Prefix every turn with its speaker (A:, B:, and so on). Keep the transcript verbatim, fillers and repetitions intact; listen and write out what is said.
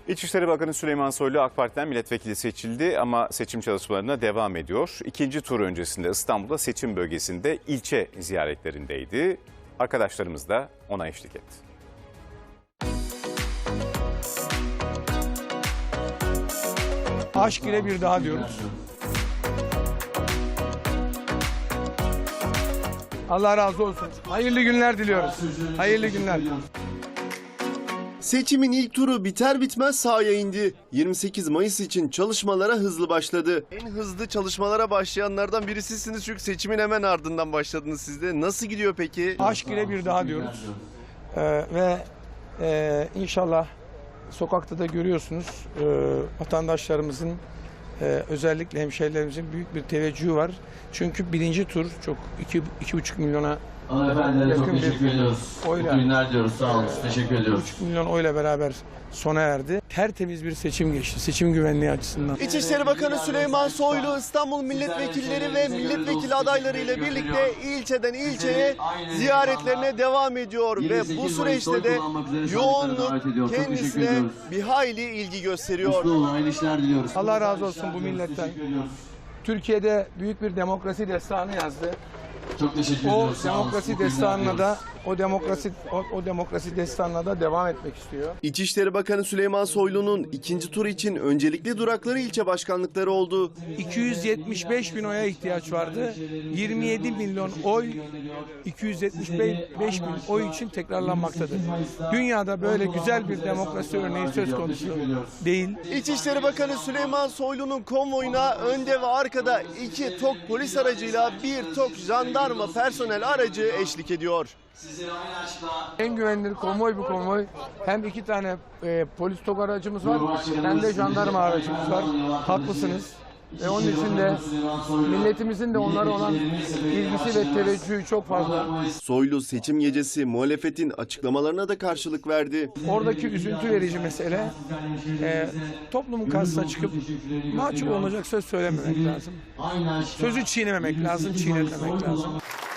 A: İçişleri Bakanı Süleyman Soylu AK Parti'den milletvekili seçildi ama seçim çalışmalarına devam ediyor. İkinci tur öncesinde İstanbul'da seçim bölgesinde ilçe ziyaretlerindeydi. Arkadaşlarımız da ona eşlik etti.
B: Aşk ile bir daha diyoruz. Allah razı olsun. Hayırlı günler diliyoruz. Hayırlı günler.
C: Seçimin ilk turu biter bitmez sahaya indi. yirmi sekiz Mayıs için çalışmalara hızlı başladı. En hızlı çalışmalara başlayanlardan birisisiniz çünkü seçimin hemen ardından başladınız siz de. Nasıl gidiyor peki?
B: Aşk ile bir daha diyoruz. Ee, ve e, inşallah sokakta da görüyorsunuz e, vatandaşlarımızın e, özellikle hemşehrilerimizin büyük bir teveccühü var. Çünkü birinci tur çok iki, iki buçuk milyona
D: Hanımefendilere çok teşekkür ediyoruz.
B: Oyla.
D: Mutlu günler diyoruz. Sağ olun. Teşekkür ediyoruz.
B: iki buçuk milyon oyla beraber sona erdi. Tertemiz bir seçim geçti. Seçim güvenliği açısından.
C: İçişleri Bakanı Süleyman Soylu İstanbul milletvekilleri ve milletvekili adayları ile birlikte ilçeden ilçeye ziyaretlerine devam ediyor ve bu süreçte de yoğunluk kendisine bir hayli ilgi gösteriyor.
D: Mutlu olun, hayırlı işler diliyoruz.
B: Allah razı olsun bu milletten. Türkiye'de büyük bir demokrasi destanı yazdı.
D: Çok teşekkür
B: O
D: ediyoruz. Sağ olun.
B: demokrasi
D: Mutlu günler
B: destanına
D: diliyoruz.
B: da o demokrasi o, o demokrasi destanına da devam etmek istiyor.
C: İçişleri Bakanı Süleyman Soylu'nun ikinci tur için öncelikli durakları ilçe başkanlıkları oldu.
B: iki yüz yetmiş beş bin oya ihtiyaç vardı. yirmi yedi milyon oy iki yüz yetmiş beş bin oy için tekrarlanmaktadır. Dünyada böyle güzel bir demokrasi örneği söz konusu değil.
C: İçişleri Bakanı Süleyman Soylu'nun konvoyuna önde ve arkada iki TOG polis aracıyla bir TOG jandarma personel aracı eşlik ediyor.
B: En güvenilir konvoy bu konvoy. Hem iki tane e, polis TOG aracımız var hem de jandarma aracımız var. Haklısınız. Ve onun için de milletimizin de onlara olan ilgisi ve teveccühü çok fazla.
C: Soylu seçim gecesi muhalefetin açıklamalarına da karşılık verdi.
B: Oradaki üzüntü verici mesele e, toplumun karşısına çıkıp mahcup olacak söz söylememek lazım. Sözü çiğnememek lazım, çiğnetmemek lazım.